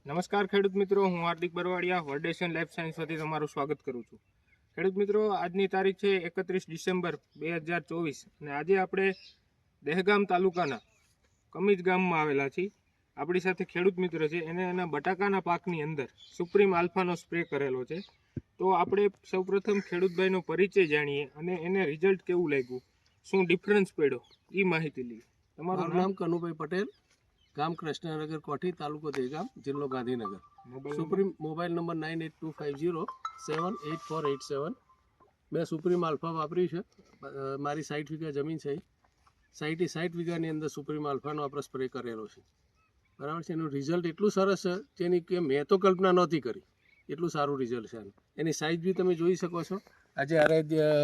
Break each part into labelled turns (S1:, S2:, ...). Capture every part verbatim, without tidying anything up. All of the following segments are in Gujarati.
S1: નમસ્કાર ખેડૂત મિત્રો, હું હાર્દિક બરવાડિયા વર્ડેશન લાઈફ સાયન્સ વતી તમારું સ્વાગત કરું છું. ખેડૂત મિત્રો, આજની તારીખ છે એકત્રીસ ડિસેમ્બર બે હજાર ચોવીસ અને આજે આપણે દહેગામ તાલુકાના કમીજ ગામમાં આવેલા છીએ. આપણી સાથે ખેડૂત મિત્ર છે, એને એના બટાકાના પાકની અંદર સુપ્રીમ આલ્ફાનો સ્પ્રે કરેલો છે. તો આપણે સૌપ્રથમ ખેડૂતભાઈનો પરિચય જાણીએ અને એને રિઝલ્ટ કેવું લાગ્યું, શું ડિફરન્સ પડ્યો, એ માહિતી લઈએ.
S2: તમારું નામ કનુભાઈ પટેલ, ગામ કૃષ્ણનગર કોઠી, તાલુકો દહેગામ, જિલ્લો Gandhinagar. Supreme mobile number nine eight two five zero seven eight four eight seven. મેં સુપ્રીમ આલ્ફા વાપર્યું છે. મારી સાઠ વીઘા જમીન છે. સાઠી સાઠ વીઘાની અંદર સુપ્રીમ આલ્ફાનો આપણે સ્પ્રે કરેલો છે. બરાબર છે. એનું રિઝલ્ટ એટલું સરસ છે જેની કે મેં તો કલ્પના નહોતી કરી, એટલું સારું રિઝલ્ટ છે. એની સાઇઝ બી તમે જોઈ શકો છો. આજે અરે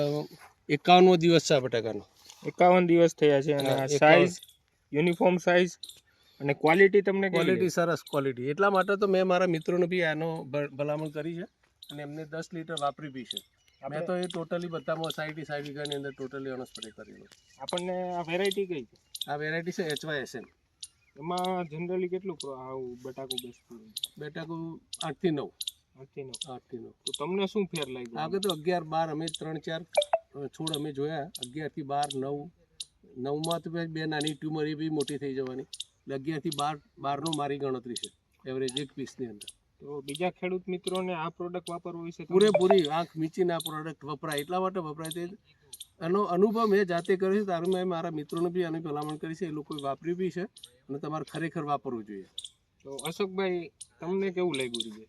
S2: એકાવનમો દિવસ છે બટાકાનો.
S1: એકાવન દિવસ થયા છે અને સાઇઝ યુનિફોર્મ સાઇઝ અને ક્વોલિટી તમને
S2: ક્વોલિટી સરસ ક્વોલિટી. એટલા માટે તો મેં મારા મિત્રોને બી આનો ભલામણ કરી છે અને એમને દસ લીટર વાપરી બી છે. મેં તો એ ટોટલી બધામાં સાઠી સાઠ વીઘાની અંદર ટોટલી આનો સ્પ્રે કરેલો.
S1: આપણને આ વેરાયટી કઈ છે?
S2: આ વેરાયટી છે એચ વાય એસ એન.
S1: એમાં જનરલી કેટલું આવું બટાકું બેસતું?
S2: બટાકું આઠથી નવ.
S1: આઠથી નવ
S2: આઠથી નવ.
S1: તો તમને શું ફેર લાગ્યો?
S2: આગળ તો અગિયાર બાર અમે ત્રણ ચાર છોડ અમે જોયા. અગિયારથી બાર નવ નવમાં તો બે નાની ટ્યુમર એ બી મોટી થઈ જવાની. એટલે અગિયારથી બાર બારનો મારી ગણતરી છે એવરેજ એક પીસની અંદર.
S1: તો બીજા ખેડૂત મિત્રોને આ પ્રોડક્ટ વાપરવું વિશે
S2: પૂરેપૂરી આંખ મીચીને આ પ્રોડક્ટ વપરાય. એટલા માટે વપરાય તે એનો અનુભવ મેં જાતે કર્યો છે. તારું મેં મારા મિત્રોને બી આની ભલામણ કરી છે. એ લોકોએ વાપર્યું બી છે અને તમારે ખરેખર વાપરવું જોઈએ.
S1: તો અશોકભાઈ, તમને કેવું લાગ્યું રિઝલ્ટ?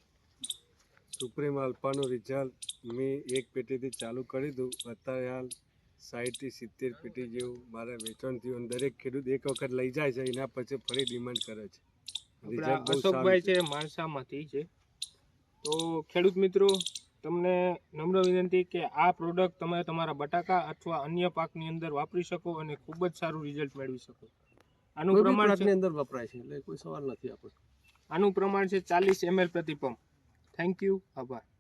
S3: સુપ્રીમ આલ્ફાનું રિઝલ્ટ મેં એક પેટીથી ચાલુ કરી દઉં. અત્યારે હાલ સાઠથી સિત્તેર પેટી જેવું મારે વેચાણ થયું. દરેક ખેડૂત એક વખત લઈ જાય છે, એના પછી ફરી ડિમાન્ડ કરે છે.
S1: અશોકભાઈ છે માણસામાંથી છે. તો ખેડૂત મિત્રો, તમને નમ્ર વિનંતી કે આ પ્રોડક્ટ તમે તમારા બટાકા અથવા અન્ય પાકની અંદર વાપરી શકો અને ખૂબ જ સારું રિઝલ્ટ મેળવી શકો. આનું પ્રમાણ
S2: અંદર વપરાય છે એટલે કોઈ સવાલ નથી આપણો.
S1: આનું પ્રમાણ છે ચાલીસ એમએલ પ્રતિ પંપ. થેન્ક યુ, આભાર.